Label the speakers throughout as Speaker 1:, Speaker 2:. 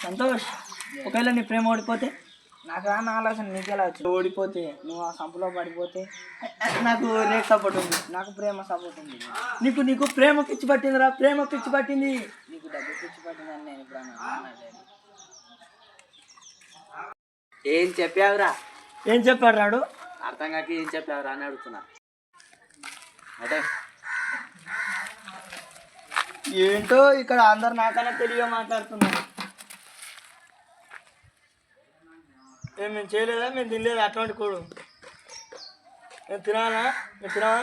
Speaker 1: సంతోష్, ఒకవేళ నీ ప్రేమ ఓడిపోతే?
Speaker 2: నాకు రాని ఆలోచన నీకెలా వచ్చింది?
Speaker 1: ఓడిపోతే
Speaker 2: నువ్వు ఆ సంపులో పడిపోతే?
Speaker 1: నాకు రేట్ సపోర్ట్ ఉంది.
Speaker 2: నాకు ప్రేమ సపోర్ట్ ఉంది.
Speaker 1: నీకు ప్రేమ పిచ్చి పట్టిందిరా, ప్రేమ పిచ్చి పట్టింది.
Speaker 2: నీకు డబ్బు పిచ్చి పట్టిందని నేను ఇప్పుడు అన్నాను.
Speaker 3: ఏం చెప్పావురా?
Speaker 1: ఏం చెప్పాడు రాడు?
Speaker 3: అర్థం కాక ఏం చెప్పావురా అని అడుగుతున్నా. అంటే
Speaker 1: ఏంటో ఇక్కడ అందరు నాకన్నా తెలివిగా మాట్లాడుతున్నారు. మేము చేయలేదా, మేము తినలేదా అటువంటి కూడు? నేను తినాలా? నేను తినాలా?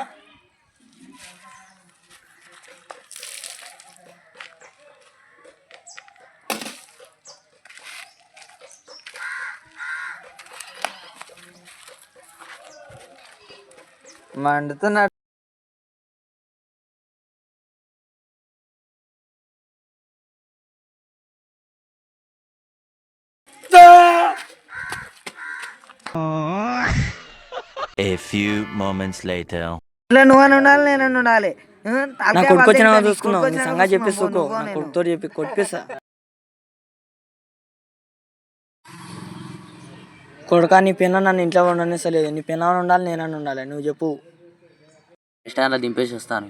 Speaker 2: మండుతున్నాడు.
Speaker 4: A few moments later.
Speaker 2: నువ్వు ఉండాలి, నేను ఉండాలి.
Speaker 1: నా కొడుకొచ్చిన చూసుకున్నావు, నీ సంగతి చెప్పేసుకో. నా కొడుకుతో చెప్పి కొట్టిస్తా. కొడుకా, నీ పిన్న నన్ను ఇంట్లో ఉండనిస్తలేదు. నీ పిన్న ఉండాలి, నేనని ఉండాలి. నువ్వు చెప్పు.
Speaker 3: ఇష్టాన్ని దింపేసి వస్తాను.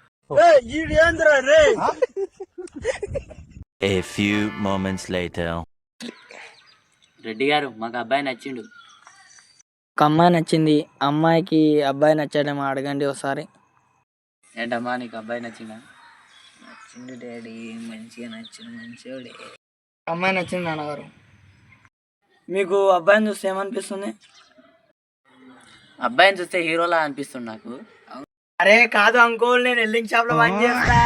Speaker 4: A few moments later.
Speaker 3: Reddy గారు, మాకు అబ్బాయి నచ్చిండు.
Speaker 1: ఒక అమ్మాయి నచ్చింది. అమ్మాయికి అబ్బాయి నచ్చాడేమో అడగండి ఒకసారి.
Speaker 3: ఏంటమ్మా, నీకు అబ్బాయి నచ్చిందా?
Speaker 2: నచ్చింది డాడీ, మంచిగా నచ్చింది, మంచిగా.
Speaker 1: అమ్మాయి నచ్చింది నాన్నగారు. మీకు అబ్బాయిని చూస్తే ఏమనిపిస్తుంది?
Speaker 3: అబ్బాయిని చూస్తే హీరోలా అనిపిస్తుంది నాకు.
Speaker 1: అరే కాదు అంకుల్, నేను ఎల్లింగ్ షాప్ లో పని చేస్తా.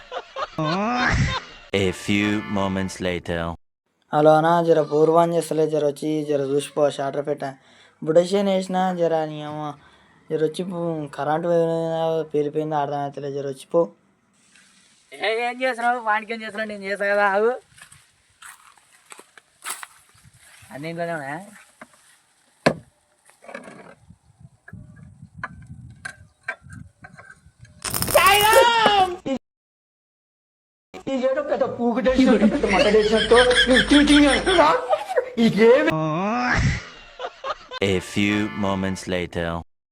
Speaker 4: A few moments later.
Speaker 1: Hello అన్నా, జర పూర్వం చేస్తలే, జర వచ్చి జర చూసిపో. షాటర్ పెట్ట బుడషేన్ వేసిన జర నీ అమ్మ, జర వచ్చి కరెంటు పేలిపోయింది, అర్థమవుతలే, జర వచ్చిపో.
Speaker 3: ఏం చేస్తున్నావు? వానికి ఏం చేస్తున్నావు? నేను చేస్తా కదా, ఆగు. అన్ని ఇంట్లోనే ఉన్నా.
Speaker 4: A few moments later.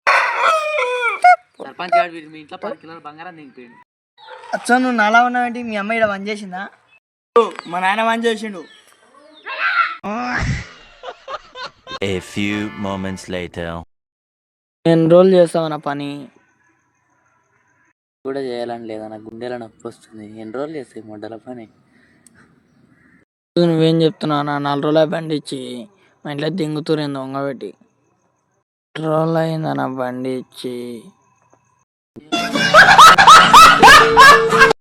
Speaker 3: Sarpanch గారు మీ ఇంట్లో 10 కిలోల బంగారం దిగిపోయింది.
Speaker 1: అచ్చా, నువ్వు నాలా ఉన్నావేంటి? మీ అమ్మ ఇక్కడ పని చేసిందా? మా నాయన పని చేసిండు.
Speaker 4: A few moments later.
Speaker 1: ఎన్ని రోజులు చేస్తావు నా పని?
Speaker 3: కూడా చేయాలని లేదా, నాకు గుండెల నొప్పి వస్తుంది. ఎన్ని రోజులు చేస్తాయి మొడ్డల పని?
Speaker 1: నువ్వేం చెప్తున్నావు? నా 4 రోజుల బండి ఇచ్చి మా ఇంట్లో దింగుతురేంది దొంగబెట్టి. 2 రోజులు అయిందా నా బండి ఇచ్చి?